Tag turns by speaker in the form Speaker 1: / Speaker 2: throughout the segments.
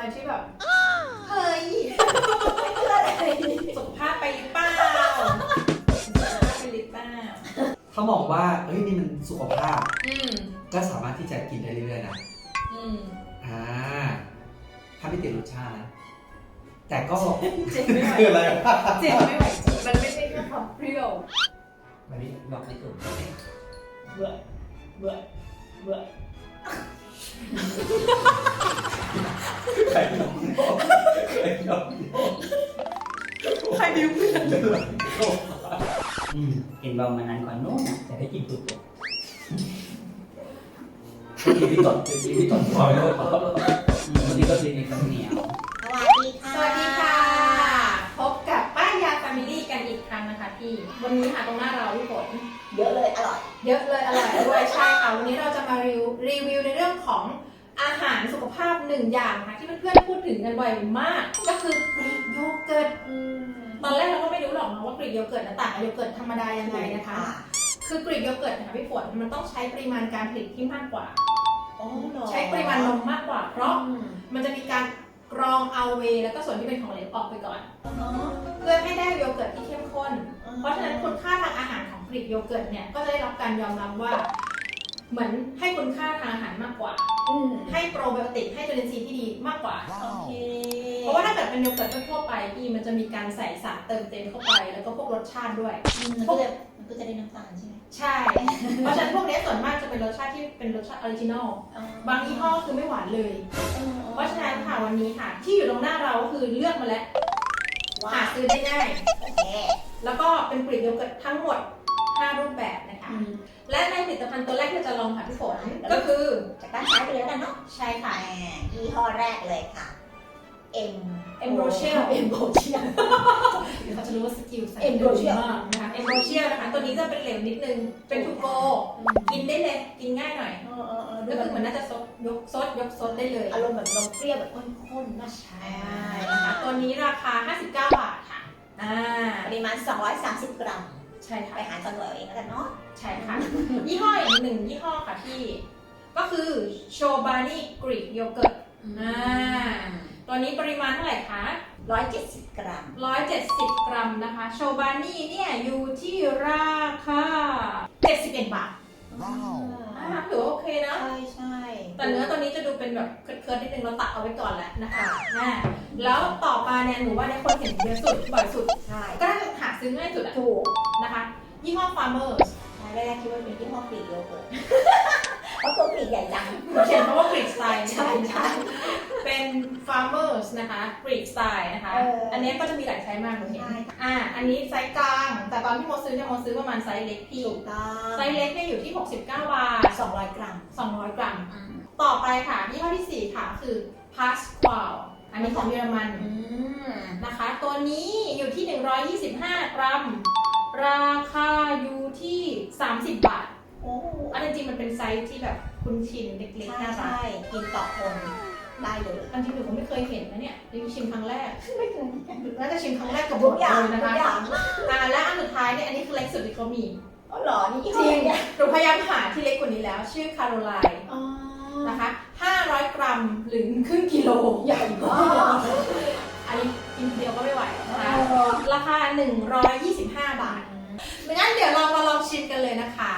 Speaker 1: มาที่แบบเฮ้ยเพื่ออะไรสุขภาพไปหรือเปล่าสุขภาพไปหรือเปล่า
Speaker 2: ถ้ามองว่าเฮ้ยนี่มันสุขภาพก็สามารถที่จะกินได้เรื่อยๆนะถ้าไม่ติดรสชาตินะแต่ก็คืออะไร
Speaker 1: เจ็บไม่ไหวมันไม่ใช่แค่ความเปรี้ยว
Speaker 2: มันนี่บอกไม่ถูก
Speaker 1: เบื่อเบื่อเบื่อ
Speaker 2: ใครยอมใครบิวเพื่อน
Speaker 3: กินบอมมานานกว่านู้นนะแต่ได้กินตุ่น
Speaker 2: พี่ตดพอยด้วย
Speaker 3: บางทีก็กินในข้าวเหนียว
Speaker 1: สวัสดีค่ะพบกับป้ายาแฟมิลี่กันอีกครั้งนะคะพี่วันนี้ค่ะตรงหน้าเราพี่ฝน
Speaker 4: เยอะเลยอร่อย
Speaker 1: เยอะเลยอร่อยด้วยใช่ค่ะวันนี้เราจะมารีวิวในเรื่องของอาหารสุขภาพหนึ่งอย่างค่ะที่เพื่อนๆพูดถึงกันบ่อยมากก็คือกรีกโยเกิร์ตตอนแรกเราก็ไม่รู้หรอกนะว่ากรีกโยเกิร์ตต่างกับโยเกิร์ตธรรมดายังไงนะคะคือกรีกโยเกิร์ตนะคะพี่ฝนมันต้องใช้ปริมาณการผลิตที่มากกว่าใช้ปริมาณนมมากกว่าเพราะมันจะมีการกรองเอาเวย์แล้วก็ส่วนที่เป็นของเหลวออกไปก่อนเพื่อให้ได้โยเกิร์ตที่เข้มข้นเพราะฉะนั้นคุณค่าทางอาหารของกรีกโยเกิร์ตเนี่ยก็จะได้รับการยอมรับว่าเหมือนให้คุณค่าทางอาหารมากกว่าให้โปรไบโอติกให้จุลินทรีย์ที่ดีมากกว่าเพราะว่าถ้าเกิดเป็นโยเกิร์ตทั่วไปที่มันจะมีการใส่สารเติมเต็มเข้าไปแล้วก็พวกรสชาติด้วย
Speaker 4: มันก็จะได้น้ำตาลใช่ไหม
Speaker 1: ใช่เพราะฉะนั้นพวกนี้ส่วนมากจะเป็นรสชาติที่เป็นรสชาติออริจินอลบางยี่ห้อคือไม่หวานเลยเพราะฉะนั้นค่ะวันนี้ค่ะที่อยู่ตรงหน้าเราคือเลือกมาแล้วหาซื้อได้ง่ายแล้วก็เป็นกรีกโยเกิร์ตทั้งหมด5 รูปแบบนะคะและในผลิตภัณฑ์ตัวแรกที่เราจะลองค่ะพี่ฝนก็คือ
Speaker 4: จากด้านซ้ายไปเลยแล้วกันเนาะ
Speaker 1: ใช่ค่ะ
Speaker 4: ยี่ห้อแรกเลยค่ะ
Speaker 1: เอ็มโรเชียลเดี๋ยวเขาจะรู้ว่าสกิลเอ็มโรเชียลนะคะเอ็มโรเชียลนะคะตัวนี้จะเป็นเหลวนิดนึงเป็นทูโกกินได้เลยกินง่ายหน่อยก็คือมันน่าจะยกซดได้เลย
Speaker 4: อารมณ์แบบนมเปรี้ยวแบบข้นๆนะ
Speaker 1: ใช่นะคะตัวนี้ราคา59 บาทค่ะ
Speaker 4: ปริมาณ230 กรัม
Speaker 1: ใช่ค่ะ
Speaker 4: ไปหาจังหวะเองแล้วกันเนาะ
Speaker 1: ใช่ค่ะยี่ห้ออีกหนึ่งยี่ห้อค่ะที่ก็คือโชบานี่กรีกโยเกิร์ตตัวนี้ปริมาณเท่าไหร่คะ
Speaker 4: 170 กรัม
Speaker 1: 170 กรัมนะคะโชบานี่เนี่ยอยู่ที่ราคา71 บาทถือว่าโอเคนะ
Speaker 4: ใช่
Speaker 1: แต่เนื้อตัวนี้จะดูเป็นแบบเคิร์ดๆนิดนึงเราตัดเอาไว้ก่อนแหละนะคะแล้วต่อมาเนี่ยหนูว่าในคนเห็นเยอะสุดบ่อยสุด
Speaker 4: ใช่
Speaker 1: ก็น่าจะหาซื้อง่ายสุด
Speaker 4: ถูก
Speaker 1: นะคะยี่ห้อ Farmers
Speaker 4: แรกคิดว่าเป็นยี่ห้อกรีกโยเกิร์ตเพราะตัวกรีกใหญ่จัง
Speaker 1: เขียนคำว่ากรีกสไตล์
Speaker 4: ใช่
Speaker 1: เป็น Farmers นะคะกรีกสไตล์นะคะอันนี้ก็จะมีหลายไซส์มากเลยเห็นอันนี้ไซส์กลางแต่ตอนที่โมซื้อเนี่ยโมซื้อประมาณไซส์เล็กพี่ไซส์เล็กเนี่ยอยู่ที่69 บาท
Speaker 4: 200 กรัม
Speaker 1: ต่อไปค่ะยี่ห้อที่4ค่ะคือ Pasqual อันนี้ของเยอรมันนะคะตัวนี้อยู่ที่125 กรัมราคาอยู่ที่30 บาทอันจริงมันเป็นไซส์ที่แบบคุ้นชินเล็กๆน่ารัก
Speaker 4: กินต่อคนได้เลย
Speaker 1: อันจริงหนูก็ไม่เคยเห็นนะเนี่ยนี่ชิมครั้งแรก
Speaker 4: ไม่เคย
Speaker 1: น่าจะชิมครั้งแรกกับหมดเลยนะคะและอันสุดท้ายเนี่ยอันนี้คือเล็กสุดที่เขามี
Speaker 4: หรอนี่
Speaker 1: จริงหนูพยายามหาที่เล็กกว่านี้แล้วชื่อคาโรไลน์นะคะ500 กรัมหรือครึ่งกิโล
Speaker 4: ใหญ่มาก
Speaker 1: อันนี้กินเดียวก็ไม่ไหวนะคะราคา125 บาทงั้นเดี๋ยวเรามาลองชิมกันเลยนะคะ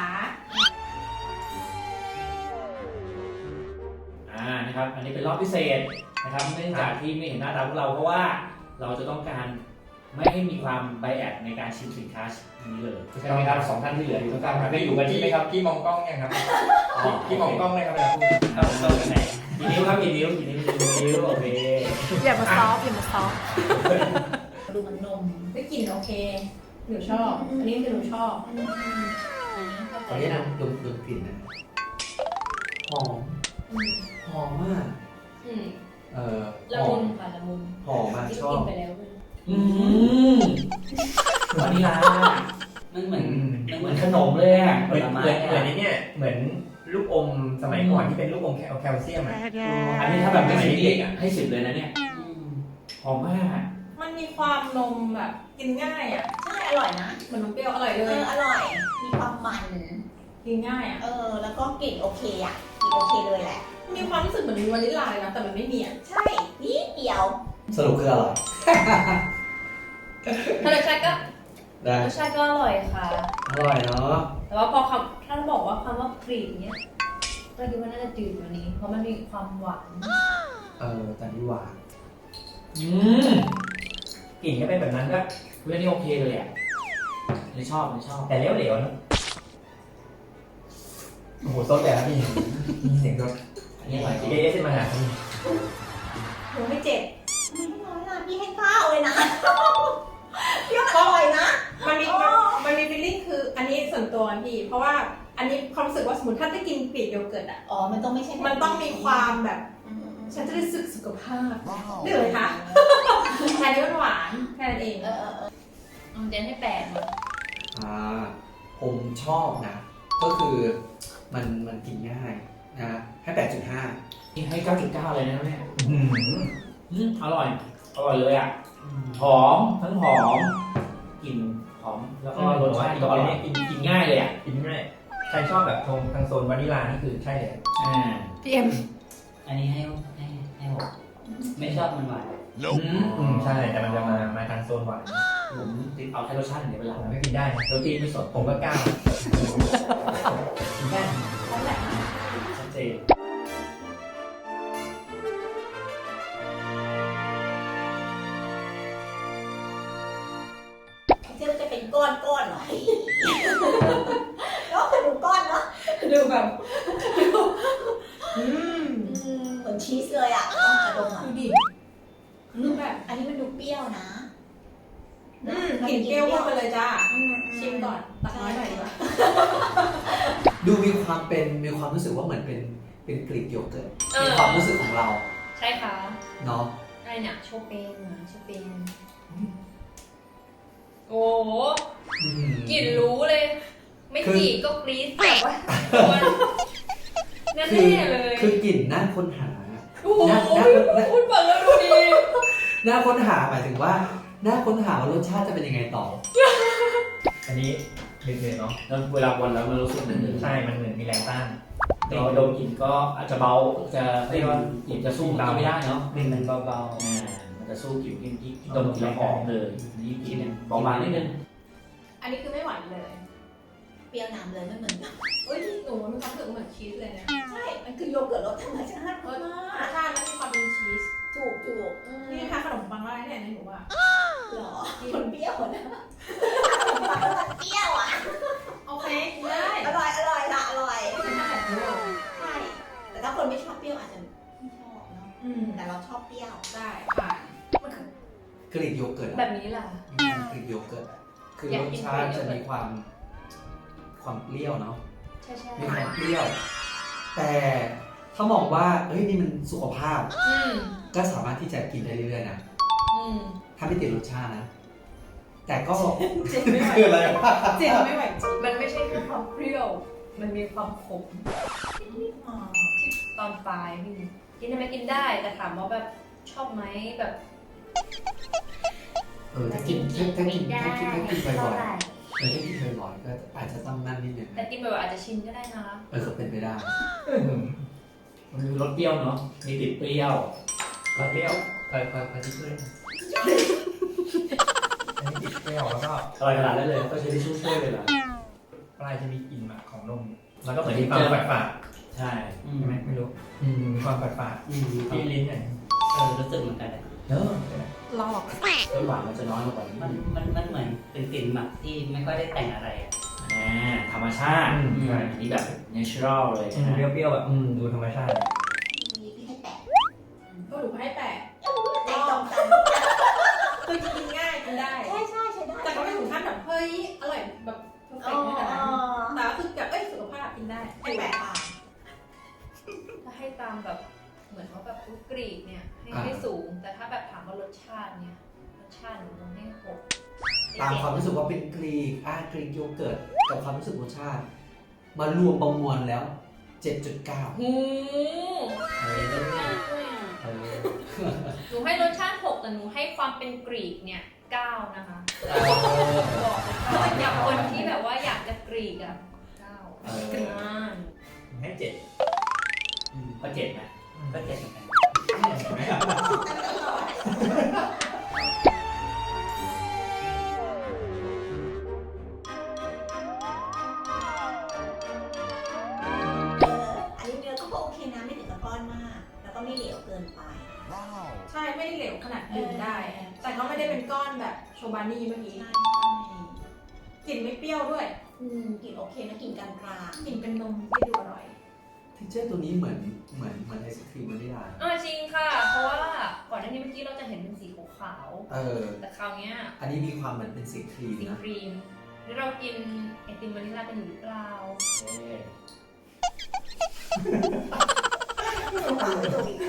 Speaker 2: นะครับอันนี้เป็นรอบพิเศษนะครับเนื่องจากที่ไม่เห็นหน้าตาพวกเราเพราะว่าเราจะต้องการไม่ให้มีความไบแอดในการชิมสินค้านี้เลยใช่ไหมครับ2 ท่านที่เหลืออยู่ตรงกลางได้อยู่กันใช่ไหมครับพี่มองกล้องยังครับพี่มองกล้องเลยครับเรากันไหนกี่นิ้วครับกี่นิ้วโอเค
Speaker 1: อย่ามาซอฟ
Speaker 4: ดูมันนม
Speaker 1: ได้กลิ่นโอเคหนูชอบอันนี้คือหนูชอบ
Speaker 2: ตอนนี้นะดมกลิ่นนะหอมมาก
Speaker 1: ละมุนค่ะละมุน
Speaker 2: หอมมากชอบ
Speaker 1: ไปแล้ว
Speaker 2: วานิลา
Speaker 3: มันเหมือนขนมเลยอ่ะ
Speaker 5: เหมือนนี่เหมือนลูกอมสมัยก่อนที่เป็นลูกอมแคลเซียมอ่ะ
Speaker 2: อันนี้ถ้าแบบไม่ใช่เด็กอ่ะให้10เลยนะเนี่ยหอมมาก
Speaker 1: มันมีความนมแบบกินง่ายอ่ะ
Speaker 4: ใช่อร่อยนะ
Speaker 1: เหมือนนมเปรี้ยวอร่อยเลย
Speaker 4: อร่อยมีความมัน
Speaker 1: กินง่ายอ่ะ
Speaker 4: แล้วก็กลิ่นโอเคอ่ะกลิ่นโอเคเลยแหละ
Speaker 1: มีความรู้สึกเหมือนมีวานิลลาเลยนะแต่มันไม่มีอ่ะ
Speaker 4: ใช่นิดเดียว
Speaker 6: สรุปคืออร่อย
Speaker 7: รสชาติก็
Speaker 6: ได้
Speaker 7: รสชาติก็อร่อยค่ะ
Speaker 6: อร่อยเนาะ
Speaker 7: แต่ว่าพอถ้าบอกว่าคำว่ากรีดเนี้ยก็คิดว่าน่าจะจืดกว่านี้ เพราะมันมีความหวาน
Speaker 6: แต่นี่หวาน
Speaker 5: กลิ่นก็เป็นแบบนั้นก็
Speaker 2: เรื่องนี้โอเคเลยอ่ะไม่ชอบ
Speaker 5: แต่เหลวๆนะโอ้โหซดแต่ละพี่มีเสียงซด
Speaker 2: อันนี้อร่อยจริง
Speaker 5: เอสมาหาพี่
Speaker 4: หนูไม่เจ็บทำไมไม่น้อยล่ะพี่ให้ข้าวเลยนะพี่ว่าอร่อยนะ
Speaker 1: มันมีฟีลลิ่งคืออันนี้ส่วนตัวพี่ เพราะว่าอันนี้ความรู้สึกว่าสมมติถ้าได้กินกรีกโยเกิร์ตอ่ะ
Speaker 4: อ๋อมันต้องไม่ใช่
Speaker 1: มันต้องมีความแบบ
Speaker 4: อืม
Speaker 1: ฉันจะได้สึกสุขภาพได้เลยคะแค่นี้มันหวานแค่นั้นเอง
Speaker 7: เจนให้8เลย
Speaker 6: ผมชอบนะ ก็คือมันกินง่ายนะให้ 8.5
Speaker 2: นี่ให้ 9.9 เลยนะครับเนี่ย
Speaker 5: อืม
Speaker 2: อร่อยเลยอ่ะหอมทั้งหอมกลิ่นหอมแล้วก็รสชาติก็อร่อยกินง่ายเลยอ่ะ
Speaker 5: กินง่ายใครชอบแบบทางโซนวานิลลานี่คือใช่เลย
Speaker 1: พี่เอ็ม
Speaker 3: อันนี้ให้หกไม่ชอบมันหวาน
Speaker 5: ใช่แต่มันจะมาทางโซนหวาน
Speaker 2: ผมติดเอาแค่รสชาติอย่างเดียวเป็นหลัก
Speaker 5: ผมไม่กินได้นะ
Speaker 2: โรตีไม่สด
Speaker 5: ผมก็กล้ากินได้
Speaker 2: ชัดเจน
Speaker 4: เชื่อจะเป็นก้อนหน่อยแล้วคือดูก้อนเนาะ
Speaker 1: ดูแบบ
Speaker 4: เหมือนชีสเลยอ่ะต้องกระดงอ่ะ
Speaker 1: ดูดิดูแบบ
Speaker 4: อันนี้มันดูเปรี้ยวนะ
Speaker 1: กลิ่นเปรี้ยวเข้าไปเลยจ้าชิมก่อนตักน้อยหน่อยดีกว่า
Speaker 6: ดูมีความรู้สึกว่าเหมือนเป็นกรีกโยเกิร์ตในความรู้สึกของเรา
Speaker 7: ใช่ค่ะ
Speaker 6: เนาะ
Speaker 7: อะไรเนี่ยโชเปนเหรอโชเปนโอ้โหกลิ่นรู้เลย ไม่กรีดก็กรี๊ดแบบว่าแน่ๆเลย
Speaker 6: คือกลิ่นน่าค้นหา
Speaker 7: โอ้โหพูดฟังแล้วดูดี
Speaker 6: น่าค้นหาหมายถึงว่าน่าค้นหาว่ารสชาติจะเป็นยังไงต่อ
Speaker 5: อันนี้เดือดๆเนาะ
Speaker 2: แล้วเวลาวันแล้วมันรู้สึกเหมือน
Speaker 5: ใช่มันเหมือนมีแรงต้าน
Speaker 2: เราดมกลิ่นก็อาจจะเบาจะเรียกว่ากลิ่นจะสู้เราไม่ได้เนาะ
Speaker 3: มันเบา
Speaker 2: มันจะสู้กลิ่นที่ดมกลิ่นแล้วหอมเลยนี่กลิ่นเบาบางนิดนึง
Speaker 1: อันนี้คือไม่หวานเลย
Speaker 4: เปรี้ยวน้ำเลยไม่เหมือนกัน
Speaker 1: เฮ้ยหนูมีความรู้สึกเหมือนชีสเลยนะ
Speaker 4: ใช่มันคือโยเกิร์ตรสธรรมชาติ
Speaker 1: ร
Speaker 4: มาก
Speaker 1: สชาติมันมีความเป็นชีส
Speaker 4: ถูก
Speaker 1: นี่ทานขนมปังอะไรเนี่ยในหนูว่า
Speaker 4: หรอมันเปรี้ยวนะมันเปรี้ยวอ่ะ
Speaker 1: โอเคกินได้
Speaker 4: อร่อยค่ะอร่อย
Speaker 1: ไม่ใช่แบบนี้
Speaker 4: ใช่แต่ถ้าคนไม่ชอบเปรี้ยวอาจจะไม่ชอบเนาะแต่เราชอบเปรี้ยว
Speaker 1: ได้ผ่าน
Speaker 6: กรีกโยเกิร์ต
Speaker 7: แบบนี้ล่ะ
Speaker 6: กรีกโยเกิร์ตคือ
Speaker 7: อยาร ก
Speaker 6: ส
Speaker 7: กิน
Speaker 6: ชาติ
Speaker 7: กรีกโย
Speaker 6: จะ
Speaker 7: เกิร์ต
Speaker 6: มีความเปรี้ยวเนาะ
Speaker 7: ใช่
Speaker 6: มีความเปรี้ยว แต่ถ้ามองว่าเฮ้ยนี่มันสุขภาพ ก็สามารถที่จะกินได้เรื่อยๆนะถ้าไม่ติดรสชาตินะ แต่ก็
Speaker 1: เจ็บไม่ไหว
Speaker 6: คืออะไรวะ
Speaker 1: เจ็บไม่ไหวจริง
Speaker 7: มันไม่ใช่แค่ความเปรี้ยว มันมีความขมตอนปลายพี่กินได้ไหมกินได้ แต่ถามว่าแบบชอบไหมแบบ
Speaker 6: ถ้ากินบ่อยๆถ้ากินบ่อยๆก็อาจจะต้องนั่นนิดนึง
Speaker 7: แต่กินบ่อยๆอาจจะชินก็ได้นะ
Speaker 6: ก็เป็นไปได้
Speaker 2: มันมีรสเปรี้ยวเนาะมีติดเปรี้ยว
Speaker 5: ก็เปรี้ยวคอยที่ช่วยอันนี้ติดเปรี้ยวแล้วก็
Speaker 2: อร่อยขนาดนั้นเลยก็ใช้ทิชชู่ช่วยเลยเหรอ
Speaker 5: ปลายจะมีกลิ่นหมักของนมแล้วก็เหมือน
Speaker 2: เหมื
Speaker 5: มี
Speaker 2: อน
Speaker 5: ความ
Speaker 2: เจอ
Speaker 5: ฝาด
Speaker 2: ใช่
Speaker 3: ๆ
Speaker 5: ๆใช่ไหมไม่รู้มีความฝาดๆที่ลิ้นเนี่ย
Speaker 3: รู้สึกเหมือนกันเลย
Speaker 5: เนอะ
Speaker 1: ลอก
Speaker 2: รสหวานมันจะน้อยลงกว่านี้
Speaker 3: มันเหมือนเป็นกลิ่นหมักที่ไม่ค่อยได้แต่งอะไรอ่ะ
Speaker 2: ธรรมชาติ
Speaker 5: ใช่
Speaker 2: อันนี้แบบ natural เลยนะ
Speaker 5: เปรี้ยวๆแบบดูธรรมชาติ
Speaker 4: พี่ให้แตะ
Speaker 1: ก็หนูให้แปะ
Speaker 4: แตะตรงกัน
Speaker 1: คือกินง่ายกินได้
Speaker 4: ใช่ใช่ได้
Speaker 1: แต่ก็ไม่ถึงขั้นแบบเฮ้ยอร่อยแบบเพอร์เฟกต์ขนาดนั้นแต่ก็คือแบบสุขภาพกินได้
Speaker 4: ให้แปะค่ะ
Speaker 7: ถ้าให้ตามแบบเหมือนว่าแบบกรีกเนี่ยให้สูง แต่ถ้าแบบถามว่ารสชาติเนี่ยรสชาติหนูให้6
Speaker 6: ตามความรู้สึกว่าเป็นกรีกโยเกิร์ตกับความรู้สึกรสชาติ มารวมประมวลแล้ว 7.9
Speaker 7: หู หนูให้รสชาติ6แต่หนูให้ความเป็นกรีกเนี่ย9นะคะบอกเลยอยากคนที่แบบว่าอยากจะกรีกอ่ะ9กรีก
Speaker 5: ให้7
Speaker 2: พอ 7นะ
Speaker 3: ก็เจ็ดเหมือนกัน
Speaker 2: เห็นไหม
Speaker 4: อันนี้เนื้อก็โอเคนะไม่ถึงกับก้อนมาก แล้วก็ไม่เหลวเกินไป
Speaker 1: ใช่ไม่ได้เหลวขนาดดื่มได้ แต่ก็ไม่ได้เป็นก้อนแบบโชบานี่เมื่อกี้
Speaker 4: ใช่
Speaker 1: กลิ่นไม่เปรี้ยวด้วย
Speaker 4: กลิ่นโอเคนะกลิ่นกลาง
Speaker 1: กลิ่นเป็นนมที่ดูอร่อย
Speaker 6: เทคเจอร์ตัวนี้เหมือนไอศครีมวานิลลา
Speaker 7: จริงค่ะ เพราะว่าก่อนหน้านี้เมื่อกี้เราจะเห็นเป็นสีขาว
Speaker 6: เออ
Speaker 7: แต่คราวเนี้ย
Speaker 6: อันนี้มีความเหมือนเป็นสีครีม
Speaker 7: สี
Speaker 6: นะ
Speaker 7: ครีมแล้วเรากินไอติมวานิลลากันอยู่หรือเปล่า
Speaker 2: เอ๊ะ
Speaker 4: ๆปากไม่ถูกอีก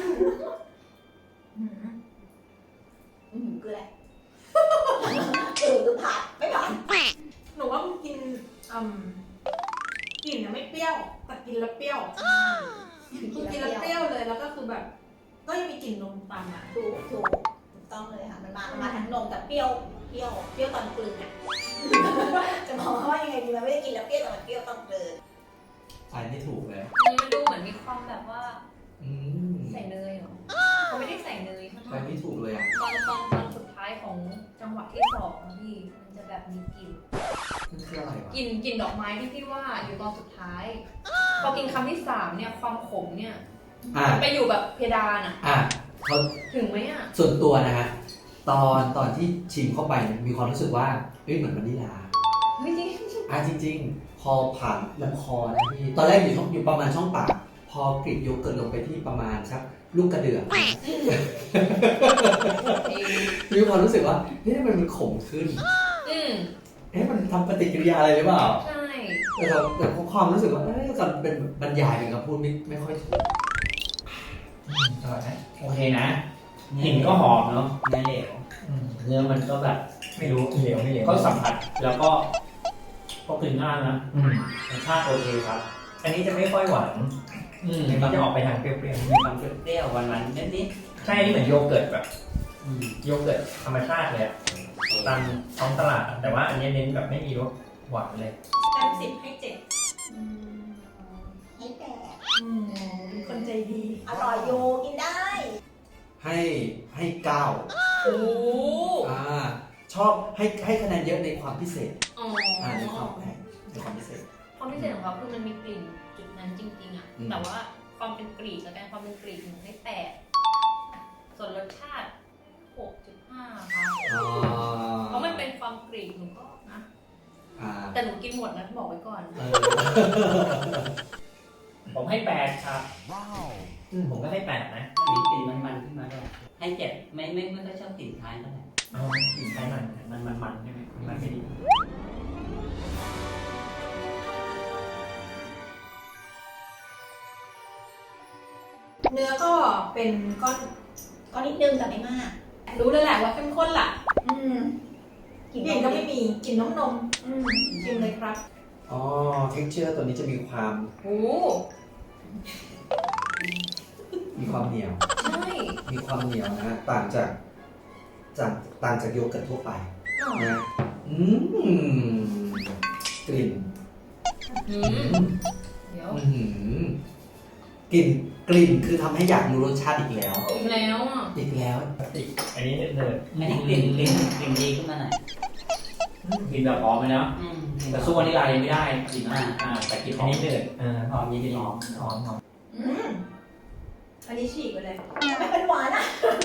Speaker 4: คืออะไรคือผัดไม่ผ่าน
Speaker 1: หนูว่ามันกินกลิ่นนะไม่เปรี้ยว แต่กินแล้วเปรี้ยวคือกินแล้วเปรี้ยวเลย แล้วก็คือแบบ ก็ยังมีกลิ่นนมตามมา
Speaker 4: ถูกต้องเลยค่ะมันมาทั้งนมแต่เปรี้ยวตอนกลืนอ่ะจะมองว่ายังไงดีมันไม่ได้กินแล้วเปรี้ยวแต่มันเปรี้ยวตอนกลืน
Speaker 6: ใช่ไม่ถูกเลย
Speaker 7: มันดูเหมือนมีความแบบว่า
Speaker 6: อืม
Speaker 7: ใส่เนยเหรอเขาไม่ได้ใส่เนยข้าง
Speaker 6: ไป
Speaker 7: ใน
Speaker 6: ไม่ถูกเลยอ่ะ
Speaker 7: ตอนสุดท้ายของจังหวะที่สองอะพี่มันจะแบบมีกลิ่น
Speaker 6: มันคืออะไรวะ
Speaker 7: กลิ่นดอกไม้ที่พี่ว่าอยู่ตอนสุดท้าย พอกินคำที่สามเนี่ยความขมเนี่ย
Speaker 6: อ่ะ
Speaker 7: มันไปอยู่แบบเพดานอะ
Speaker 6: อ่ะเขา
Speaker 7: ถึงไหมอะ
Speaker 6: ส่วนตัวนะฮะ ตอนที่ชิมเข้าไปเนี่ยมีความรู้สึกว่าเฮ้ยเหมือนวานิลลา
Speaker 7: ไม่จริง
Speaker 6: จริงๆ พอผ่านลำคอนะพี่ ตอนแรกอยู่ประมาณช่องปาก พอกรีดโยเกิร์ตลงไปที่ประมาณสักลูกกระเดือกมีความรู้สึกว่าเฮ้ยมันขมขึ้น
Speaker 7: อืม
Speaker 6: มันทำปฏิกิริยาอะไรหรือเปล่า
Speaker 7: ใช่
Speaker 6: แต่ความรู้สึกว่าการเป็นบรรยายเป็นคำพูดไม่ค่อยถูก
Speaker 5: อร่อยนะ
Speaker 2: โอเคนะกลิ่นก็หอมเนาะ
Speaker 3: เนื้อเหลว
Speaker 2: เนื้อมันก็แบบ
Speaker 5: ไม่รู้เหลวไม่เหลว
Speaker 2: ก็สัมผัสแล้วก็พอกลิ่นง่ายนะรสชาติโอเคครับ
Speaker 5: อันนี้จะไม่ค่อยหวาน
Speaker 2: มี
Speaker 5: มันจะออกไปทางเปรี้ยว
Speaker 3: มีความเปรี้ยวๆหวานๆนิด
Speaker 5: ๆใช่อันนี้เหมือนโยเกิร์ตแบบ
Speaker 3: ๆ
Speaker 5: โยเกิร์ตธรรมชาติเลยอะตามท้องตลาดอะแต่ว่าอันนี้เน้นแบบไม่มีรสหวานเลย
Speaker 1: เต็ม10 ให้ 7
Speaker 4: ให้แก่
Speaker 1: เป็นคนใจดี
Speaker 4: อร่อยโยกินได้
Speaker 6: ให้9
Speaker 7: โอ้
Speaker 6: ชอบให้คะแนนเยอะในความพิเศษ
Speaker 7: อ๋อ
Speaker 6: ในความแปลกในความพิเศษ
Speaker 7: ความพิเศษของเขาคือมันมีกลิ่นจุดนั้นจริงๆอะ
Speaker 6: อืม
Speaker 7: แต่ว่าความเป็นกรีกกับการความเป็นกรีกหนูให้8ส่วนรสชาติ 6.5 ค่ะ เพราะมันเป็นความกรีกหนูก็นะ แต่หนูกินหมดนะบอกไว้ก่อน
Speaker 2: ผมให้8ครับ
Speaker 5: ผมก็ให้8นะ
Speaker 3: มีกลิ่นมันๆขึ้นมาด้วยให้เจ็ดไม่ค่อยชอบกลิ่นท้ายเท่าไหร่
Speaker 5: เอากลิ่นไทยมัน
Speaker 2: มันใช่ไหม
Speaker 5: มันไม่ดี
Speaker 1: เนื้อก็เป็นก้อน
Speaker 4: ก็นิดนึงแต่ไม่มาก
Speaker 1: รู้เลยแหละว่าเข้มข้นล่ะ
Speaker 4: กลิ่น
Speaker 1: กลิ่นก็ไม่มีกลิ่นนมชิมเลยครับ
Speaker 6: เท็กเจอร์ตัวนี้จะมีความ
Speaker 7: โอ้
Speaker 6: เหนียว
Speaker 7: ใช่
Speaker 6: มีความเหนียวนะฮะต่างจากโยเกิร์ตทั่วไปนะกลิ่น
Speaker 7: อืมเดี๋ยว
Speaker 6: กลิ่นคือทำให้อยากรู้รสชาติอีกแล้ว
Speaker 7: อีกแล้วอ่ะ
Speaker 6: อีกแล้ว
Speaker 5: อันนี้เนิร์ด
Speaker 3: อันนี้กลิ่นดีขึ้นมาหน่อย
Speaker 2: กลิ่นแบบหอมไหมเนาะแต่สู้วานิลลายังไม่ได้กลิ่นแต่กลิ่นห
Speaker 5: อั
Speaker 2: อน ม
Speaker 5: นี้เนิร์ด
Speaker 3: หอมยี่หอม
Speaker 5: หอม
Speaker 1: อันนี้ฉีกไปเลย
Speaker 4: ไม่เป็นหวานอ่ะ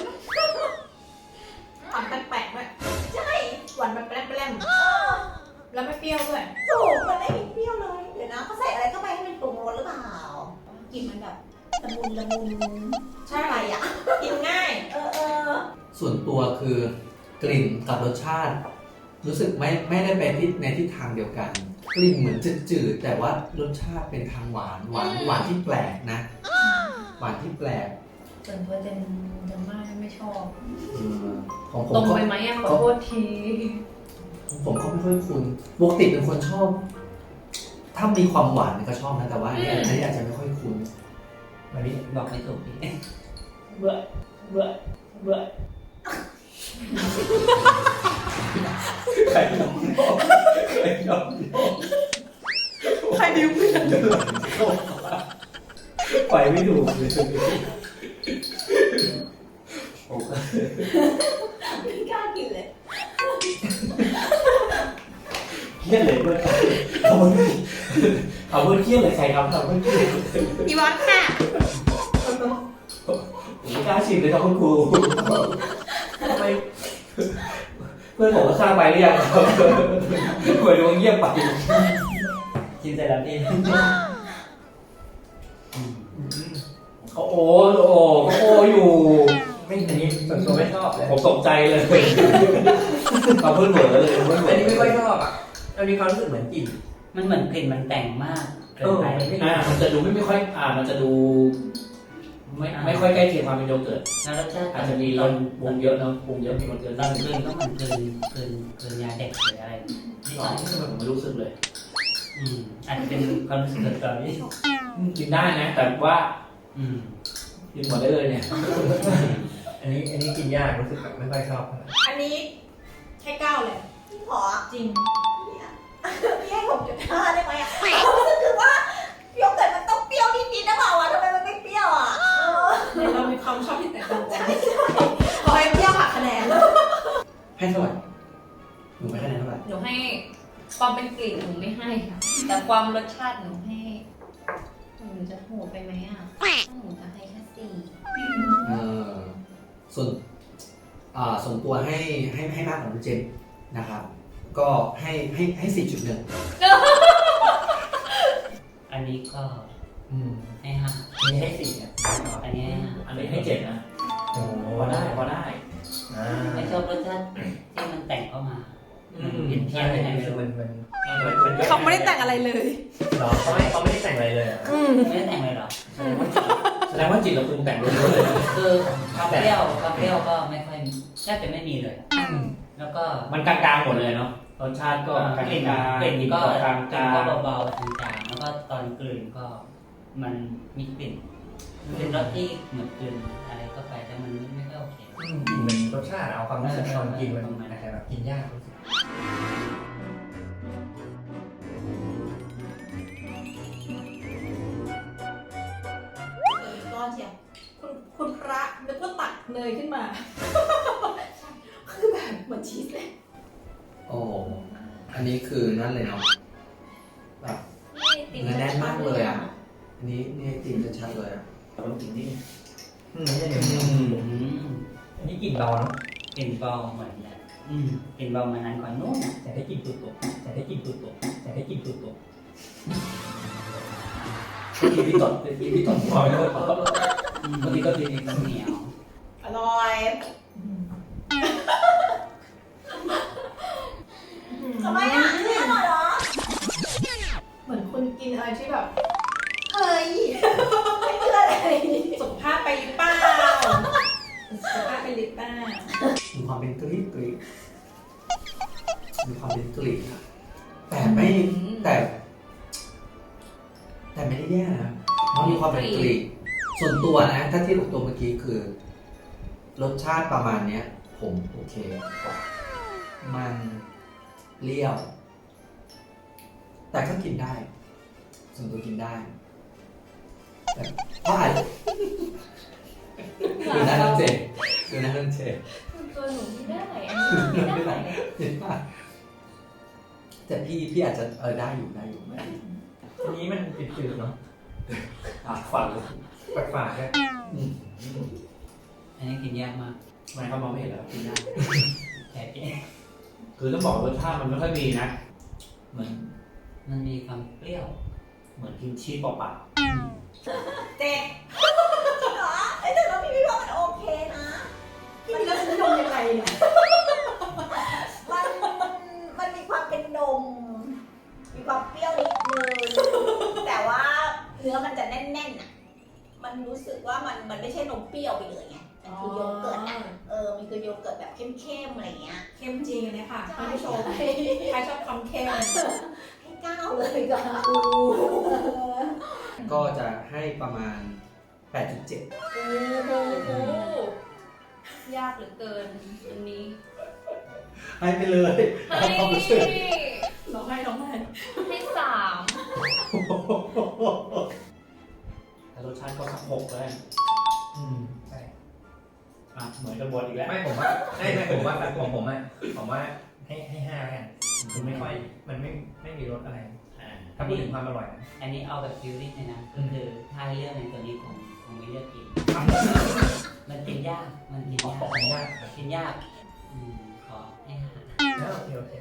Speaker 1: หวานแปลกๆด้วยใช่หวานแบบแปลมๆแล้วไม่เปรี้ยวด้วย
Speaker 4: ถูกมันไม่มีเปรี้ยวเลย เดี๋ยวนะเขาใส่อะไรเข้าไปให้มันปรุงรสหรือเปล่ากลิ่นมันแบบละมุนใช่ไปอ่ะ
Speaker 1: กินง่าย
Speaker 6: ส่วนตัวคือกลิ่นกับรสชาติ รู้สึกไม่ได้ไปในทิศทางเดียวกัน กลิ่นเหมือนจืดๆแต่ว่ารสชาติเป็นทางหวานที่แปลกนะ หวานที่แปลก
Speaker 7: ส่วนตัวเจนมากไม่ชอบ
Speaker 6: ของผม
Speaker 7: ตรง
Speaker 6: ก็
Speaker 7: ไปไหมอ่ะขอโทษที
Speaker 6: ผมก็ไม่ค่อยคุ้นปกติเป็นคนชอบ ถ้ามีความหวานก็ชอบนะแต่ว่าอันนี้อาจจะไม่ค่อยคุ้น
Speaker 5: วันนี้
Speaker 3: บอกไม่ถูกพี่
Speaker 2: เบื่อเบื่อเบื่อ
Speaker 6: ใครยอมใครยอม
Speaker 1: ใครบิ้วเพื่อน
Speaker 6: เ
Speaker 2: ไปไม่ถูกเลย
Speaker 4: ไม่กล้ากินเลย
Speaker 2: เครียดเลยเพื่อนเขาเพื่อนเครียดเลยใครทำเขาเพื่อนเครียด
Speaker 4: อีวอนค่ะ
Speaker 2: ผมไม่กล้าชิมเลยครับคุณครูทำไมเพื่อนผมก็ข้ามไปหรือยังครับเหมือนดวงเงียบไป
Speaker 3: กินเสร็จแล้วพี่
Speaker 2: เขาโอ้อยู่
Speaker 5: ไม่อันนี้ส่วนตัวไม่ชอบเลย
Speaker 2: ผมตกใจเลยเขาเพื่อนเหมือนเลยเพื่อนเหมื
Speaker 5: อั
Speaker 2: อน น
Speaker 5: นี้ไม่ค่อยชอบอ่ะมันมีความรู้สึกเหมือนกลิ่น
Speaker 3: มันเหมือนกลิ่นมันแต่งมากเกินไป
Speaker 2: มันจะดูไม่ค่อยมันจะดูไม่ค่อยใกล้เคียงความเป็นโยเกิร์ต
Speaker 3: แล้วรสชาติ
Speaker 2: อาจจะมีรสปรุงเยอะเนาะปรุงเยอะมีคนเกิน
Speaker 3: ตอนกลืนก็เหมือนกลืนยาเด็กหรืออะไรนี่
Speaker 2: ตอนนี้ทำไมผมไม่รู้สึกเลย
Speaker 3: อาจจะเป็นความรู้สึกส่วนตัวพี่
Speaker 2: กินได้นะ แต่ว่า
Speaker 3: อืม
Speaker 2: กินหมดได้เลยเนี่ย
Speaker 5: อันนี้กินยากรู้สึกแบบไม่ค่อยชอบ
Speaker 1: อันนี้ให้9เลย
Speaker 4: พี่ขอ
Speaker 1: จริง
Speaker 4: พี่ให้6.5ได้ไหมอ่ะรู้สึกคือว่าโยเกิร์ตมันต้องเปรี้ยวนิดๆนะเปล่าวะทำไมมันไม่เปรี้ยวอ่ะ
Speaker 1: เรามีความชอบที่แตกต่างกันขอให้เปรี้ยวหักคะแนน
Speaker 6: ให้เท่าไหร่หนูไม่คะแนนเท่าไหร่
Speaker 7: หนูให้ความเป็นกลิ่นหนูไม่ให้ค่ะ แต่ความรสชาติหนูให้หนูจะโหดไปไหมอ่ะหนูจะให้แค่4
Speaker 6: เออส่วนตัวให้มากกว่าน้องเจนนะครับ ก็ให้4.1
Speaker 3: อันนี้ก็ ให้5
Speaker 5: อันนี้ให้4เนี่ย
Speaker 3: อันนี้ให้
Speaker 2: อันนี้ให้7นะ
Speaker 5: โอ้โห
Speaker 2: พอได้
Speaker 3: 5ไม่ชอบรสชาติที่มันแต่งเข้ามาเปลี่ยนเที
Speaker 5: ใช่
Speaker 3: ยบยังไงไม่
Speaker 5: คือ
Speaker 3: รู้
Speaker 5: มัน
Speaker 1: เขาไม่ได้แต่งอะไรเลย
Speaker 5: หรอเขาไม่ได้แต่งอะไรเลยอ่ะ
Speaker 3: ไม่ได้แต่งเลยเหรอ
Speaker 2: แสดงว่าจิตเราปรุงแต่งล้วนๆเลย
Speaker 3: คือความเปรี้ยวก็ไม่ค่อยแทบจะไม่มีเลย แล้วก็
Speaker 2: มันกลางๆหมดเลยเนาะรสชาติก็กลาง
Speaker 3: กลิ่น
Speaker 2: ๆ
Speaker 3: กลิ่นก็
Speaker 2: กลาง
Speaker 3: กลิ่นก็เบาๆจางๆแล้วก็ตอนกลืนก็มันมีกลิ่นมันเป็นรสที่เหมือนกลืนอะไรเข้าไปแต่มันไม่ค่อยโอเค
Speaker 5: กลิ่นมันรสชาติเอาความรู้สึกตอนกินมันอาจจะแบบกินยากรู้สึก
Speaker 4: ก้อนเชียว
Speaker 1: คุณพระนึกว่าตักเนยขึ้นมา คือแบบเหมือนชีสเลย
Speaker 6: โอ้อันนี้คือนั่นเลยเนาะแบบเนื้อแน่นมากเลยอ่ะ อันนี้นี่จริงชัดๆเลยอ่ะ
Speaker 2: ต้องกินนี่
Speaker 5: ไม่ใช่เดี๋ยวอันนี้กลิ่นเบาเนาะ
Speaker 3: กลิ่นเบาเหมือนแบบกลิ่นเบามานานกว่านู้นอ่ะ
Speaker 5: แต่ได้กลิ่นตุ่ๆแต่ได้กลิ่นตุ่ๆแต่ได้กลิ่นตุ่
Speaker 2: พี่ตดพอไม่ได้บางทีก็กินเอง
Speaker 3: เหนียว
Speaker 4: อร่อยทำไมอ่ะไม่อร่อยเหรอ
Speaker 1: เหมือนคุณกินอะไรที่แบบ
Speaker 4: เฮ้ยไม่เชื่อเลย
Speaker 1: สุขภาพไปหรือเปล่าสุขภาพไปหรือเปล่า
Speaker 6: มีความเป็นกรีกมีความเป็นกรีกอะแต่ไม่แต่ไม่ได้แย่นะเพราะมีความเป็นกรีกส่วนตัวนะ ถ้าเทียบกับตัวเมื่อกี้คือ รสชาติประมาณเนี้ย ผมโอเคกว่ามันเลี่ยว แต่ก็กินได้ ส่วนตัวกินได้แต่เพราะอาจดูหน้าน้องเจดูหน้าน้องเจ
Speaker 7: ตัวหนูไม่ได้อันนี้ไม่ได้
Speaker 6: เห็นป่ะแต่พี่อาจจะได้อยู่
Speaker 5: ๆอันนี้มันจืดๆเนาะ
Speaker 2: ฝันเลย
Speaker 5: ฝาดๆด้วย
Speaker 3: อันนี้กินยากมาก
Speaker 2: มันเขามองไม่เห็นแล้วกินได้
Speaker 3: แต่พี่
Speaker 2: คือต้องบอกรสชาติมันไม่ค่อยมีนะเหมือน
Speaker 3: มันมีความเปรี้ยว
Speaker 2: เหมือนกินชีสเปล่า
Speaker 4: เจ็ดเหรอไอ้แต่เราพี่ว่ามันโอเคนะ
Speaker 1: พี่มีรสนิยมยังไงเนี่ย
Speaker 4: มันมีความเป็นนม มีความเปรี้ยวนิดนึง แต่ว่าเนื้อมันจะแน่นๆอ่ะ มันรู้สึกว่ามันไม่ใช่นมเปรี้ยวไปเลยไงมันคือโยเกิร์ตอ่ะ มันคือโยเกิร์ตแบบเข้มๆอะไรเงี้ย
Speaker 1: เข้มจริงอันเนี้ยค่ะท่านผู้ชมใครชอบความเข้ม
Speaker 4: ให้9เลยก็
Speaker 6: ก็จะให้ประมาณ 8.7
Speaker 7: โอ้โหยากเหลือเกินอันนี้
Speaker 6: ให้ไปเลย
Speaker 7: ให้
Speaker 6: ความรู้สึก
Speaker 1: น้องให้
Speaker 7: ให้3
Speaker 6: รส
Speaker 2: สชาติก็สัก6แล้วกัน
Speaker 5: ใช่
Speaker 2: อ่ะเหมือนกันบนอีกแล้ว
Speaker 5: ไม่ผมว่าไม่ผมว่าของผมอ่ะผมว่าให้5แล้วกันมันไม่ค่อยมันไม่มีรสอะไร ถ้าพูดถึงความอร่อยนะ
Speaker 3: อันนี้เอาแบบฟิลลิ่งเลยนะก็คือถ้าให้เลือกในตัวนี้คงไม่เลือกกิน มันกินยากมันกินยาก
Speaker 5: ขออนุญาต
Speaker 3: กินยากขอให้หา
Speaker 5: โอเค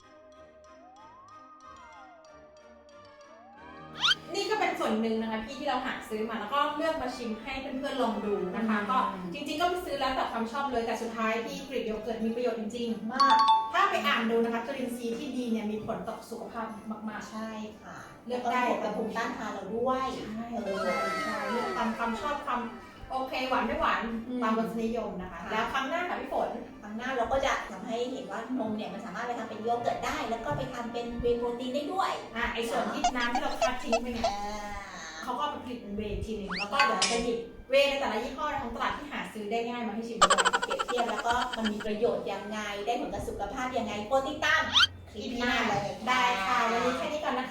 Speaker 1: นี่ก็เป็นส่วนหนึ่งนะคะพี่ที่เราหาซื้อมาแล้วก็เลือกมาชิมให้เพื่อนๆลองดูนะคะ ก็จริงๆก็ไปซื้อแล้วแต่ความชอบเลยแต่สุดท้ายที่กรีกโยเกิร์ตมีประโยชน์จริงๆมาก ถ้าไปอ่านดูนะคะจุลินทรีย์ที่ดีเนี่ยมีผลต่อสุขภาพมากๆ
Speaker 4: ใช่ค่ะ
Speaker 1: เลือกได้
Speaker 4: กระภูมิต้านทานเราด้วย
Speaker 1: ใช่ใช่เลือกตามความชอบความโอเคหวานไม่หวานตามรสนิยมนะคะ แล้วครั้งหน้าค่ะพี่ฝน
Speaker 4: ครั้งหน้าเราก็จะทำให้เห็นว่านมเนี่ยมันสามารถไปทำเป็นโยเกิร์ตได้ แล้วก็ไปทำเป็นเวย์โปรตีนได้ด้วย
Speaker 1: ไอส่วนที่น้ำที่เราคัดทิ้งไปเนี่ย
Speaker 4: อ่า
Speaker 1: เขาก็เอาไปผลิตเป็นเวย์อีกทีหนึงแล้วก็เดี๋ยวจะหยิบเวย์ในแต่ละยี่ห้อในท้องตลาดที่หาซื้อได้ง่ายมาให้ชิมด้วย
Speaker 4: เปรียบเทียบแล้วก็มันมีประโยชน์ยังไง ได้ผลกับสุขภาพยังไงโปรติดตามคลิปหน้าเลย
Speaker 1: ได้ค่ะวันนี้แค่นี้ก่อนนะคะ